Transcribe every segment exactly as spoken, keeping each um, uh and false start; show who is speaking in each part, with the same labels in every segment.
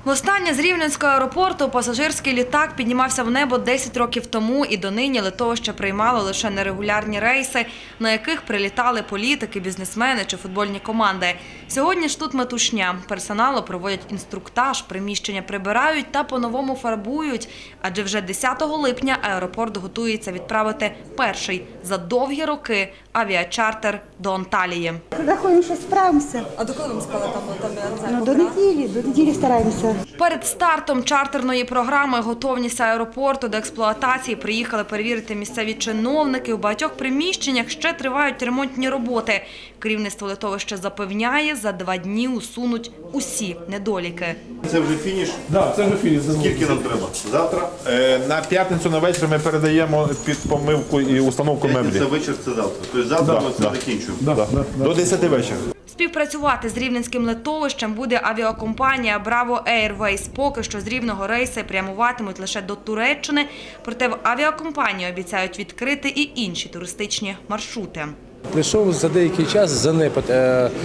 Speaker 1: Востаннє з Рівненського аеропорту пасажирський літак піднімався в небо десять років тому, і донині литовище приймало лише нерегулярні рейси, на яких прилітали політики, бізнесмени чи футбольні команди. Сьогодні ж тут метушня. Персоналу проводять інструктаж, приміщення прибирають та по-новому фарбують. Адже вже десятого липня аеропорт готується відправити перший за довгі роки авіачартер до Анталії.
Speaker 2: Рахуємо, що справимося.
Speaker 3: А до коли вам сказали там, там я не знаю,
Speaker 2: Ну, до неділі, до неділі стараємося.
Speaker 1: Перед стартом чартерної програми готовність аеропорту до експлуатації приїхали перевірити місцеві чиновники. У багатьох приміщеннях ще тривають ремонтні роботи. Керівництво литовища запевняє, за два дні усунуть усі недоліки.
Speaker 4: Це вже фініш?
Speaker 5: Так, це вже фініш.
Speaker 4: Скільки нам треба? Завтра?
Speaker 5: Е, На п'ятницю на вечір ми передаємо під помивку і установку меблі.
Speaker 4: Це вечір, це завтра. Тобто завтра
Speaker 5: Да,
Speaker 4: ми це
Speaker 5: да.
Speaker 4: закінчуємо.
Speaker 5: Да, да, да. До десяти вечора.
Speaker 1: Співпрацювати з рівненським литовищем буде авіакомпанія Bravo Airways. Поки що з Рівного рейси прямуватимуть лише до Туреччини, проте в авіакомпанії обіцяють відкрити і інші туристичні маршрути.
Speaker 6: Прийшов за деякий час занепад е,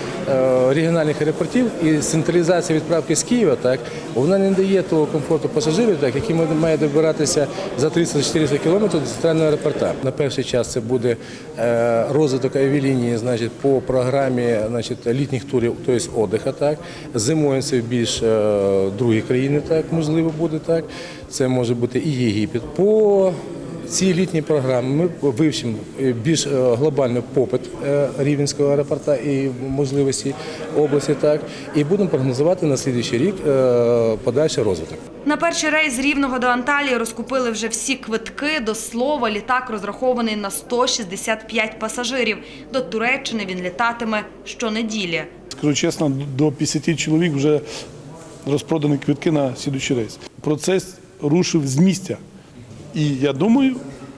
Speaker 6: е, регіональних аеропортів і централізація відправки з Києва, так, вона не дає того комфорту пасажирів, так, які мають добиратися за триста-чотириста кілометрів до центрального аеропорта. На перший час це буде е, розвиток авіалінії, значить, по програмі, значить, літніх турів, тобто відпочинку, так. Зимою це більш е, другі країни, так, можливо буде, так. Це може бути і Єгипет. По ці літні програми ми вивчимо більш глобальний попит Рівненського аеропорту і можливості області, так, і будемо прогнозувати на наступний рік подальший розвиток.
Speaker 1: На перший рейс з Рівного до Анталії розкупили вже всі квитки. До слова, літак розрахований на сто шістдесят п'ять пасажирів. До Туреччини він літатиме щонеділі.
Speaker 7: Скажу чесно, до п'ятдесят чоловік вже розпродані квитки на слідуючий рейс. Процес рушив з місця. І я думаю,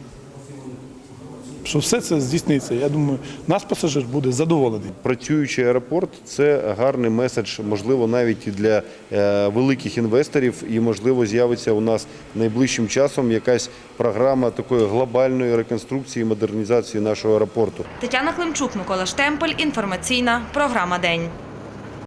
Speaker 7: що все це здійсниться. Я думаю, наш пасажир буде задоволений.
Speaker 4: Працюючий аеропорт – це гарний меседж, можливо, навіть і для е, великих інвесторів. І, можливо, з'явиться у нас найближчим часом якась програма такої глобальної реконструкції і модернізації нашого аеропорту.
Speaker 1: Тетяна Климчук, Микола Штемпель. Інформаційна програма «День».